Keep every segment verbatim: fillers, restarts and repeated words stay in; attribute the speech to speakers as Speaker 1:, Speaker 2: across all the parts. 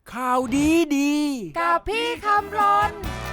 Speaker 1: ข่าวดีดี
Speaker 2: กับพี่คำรน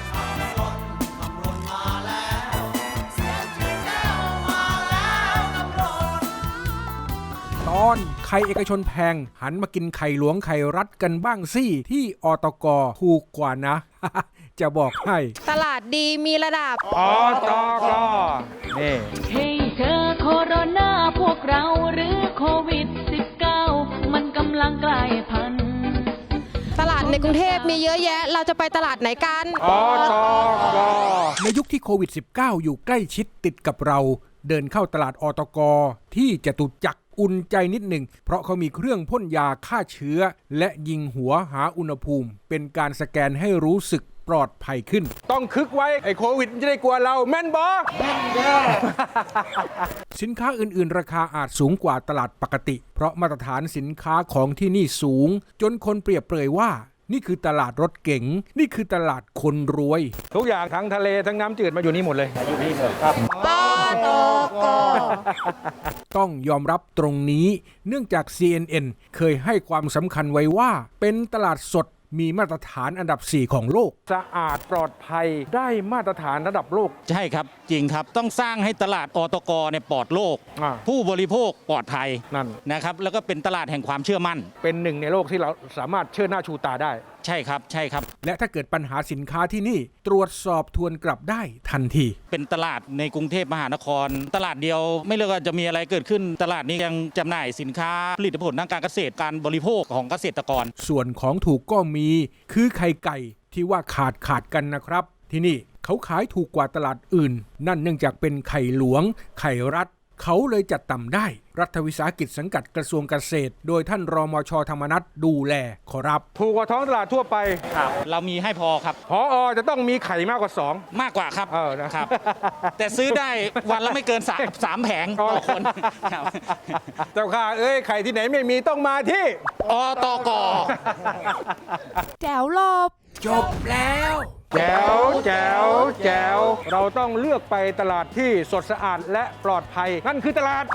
Speaker 1: ตอนไข่เอกชนแพงหันมากินไข่หลวงไข่รัฐกันบ้างสิที่อตกถูกกว่านะ จะบอกให้
Speaker 2: ตลาดดีมีระดับ
Speaker 1: อตกนี่
Speaker 3: เฮ้ยเธอโคโรนาพวกเราหรือโควิด สิบเก้า มันกำลังกลายพันธุ์
Speaker 2: ตลาดในกรุงเทพมีเยอะแยะเราจะไปตลาดไหนกัน
Speaker 1: อตกในยุคที่โควิด สิบเก้า อยู่ใกล้ชิดติดกับเราเดินเข้าตลาดอตกที่จตุจักรอุ่นใจนิดหนึ่งเพราะเขามีเครื่องพ่นยาฆ่าเชื้อและยิงหัวหาอุณหภูมิเป็นการสแกนให้รู้สึกปลอดภัยขึ้นต้องคึกไว้ไอ้โควิดจะได้กลัวเราแม่นบอแม่นเด้อ สินค้าอื่นๆราคาอาจสูงกว่าตลาดปกติเพราะมาตรฐานสินค้าของที่นี่สูงจนคนเปรียบเปรยว่านี่คือตลาดรถเก๋งนี่คือตลาดคนรวยทุกอย่างทั้งทะเลทั้งน้ำจืดมาอยู่นี่หมดเลยอยู่นี่หมดครับ
Speaker 2: ตตก
Speaker 1: ต้องยอมรับตรงนี้เนื่องจาก ซี เอ็น เอ็น เคยให้ความสำคัญไว้ว่าเป็นตลาดสดมีมาตรฐานอันดับสี่ของโลกสะอาดปลอดภัยได้มาตรฐานระดับโลก
Speaker 4: ใช่ครับจริงครับต้องสร้างให้ตลาดอตกเนี่ยปลอดโลกผู้บริโภคปลอดภัยนั่นนะครับแล้วก็เป็นตลาดแห่งความเชื่อมั่น
Speaker 1: เป็นหนึ่งในโลกที่เราสามารถเชิดหน้าชูตาได้
Speaker 4: ใช่ครับใช่ครับ
Speaker 1: และถ้าเกิดปัญหาสินค้าที่นี่ตรวจสอบทวนกลับได้ทันที
Speaker 4: เป็นตลาดในกรุงเทพมหานครตลาดเดียวไม่เลือกว่าจะมีอะไรเกิดขึ้นตลาดนี้ยังจำหน่ายสินค้าผลิตผลทางการเกษตรการบริโภคของเกษตรกร
Speaker 1: ส่วนของถูกก็มีคือไข่ไก่ที่ว่าขาดขาดกันนะครับที่นี่เขาขายถูกกว่าตลาดอื่นนั่นเนื่องจากเป็นไข่หลวงไข่รัฐเขาเลยจัดต่ำได้รัฐวิสาหกิจสังกัดกระทรวงเกษตรโดยท่านรมช.ธรรมนัสดูแลขอรับถูกกว่าท้องตลาดทั่วไป
Speaker 4: ครับเรามีให้พอครับ
Speaker 1: พออจะต้องมีไข่มากกว่าสอง
Speaker 4: มากกว่าครับ
Speaker 1: เออนะครับ
Speaker 4: แต่ซื้อได้วันละไม่เกินสามสามแผงต่อคน
Speaker 1: เจ้าค่ะเอ้ยไข่ที่ไหนไม่มีต้องมาที่
Speaker 4: อตก
Speaker 2: แจ๋วลบ
Speaker 1: จบแล้วแจ๋วแจ๋วแจ๋วเราต้องเลือกไปตลาดที่สดสะอาดและปลอดภัยนั่นคือตลาด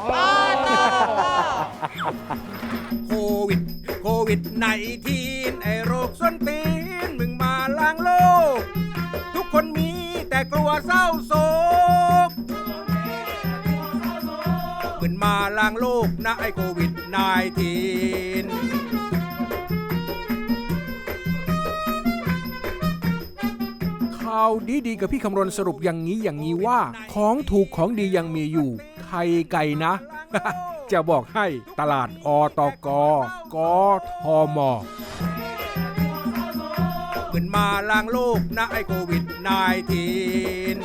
Speaker 1: โควิดโควิดไนทีนไอโรคส้นตีนมึงมาล้างโลกทุกคนมีแต่กลัวเศร้าโศกมึงมาล้างโลกนะไอโควิดไนทีนข่าวดีๆกับพี่คำรณสรุปอย่างนี้อย่างนี้ว่าของถูกของดียังมีอยู่ไข่ไก่นะ จะบอกให้ตลาดอตกกทมเหมือนมาล้างโลกนะไอโควิดไนทีน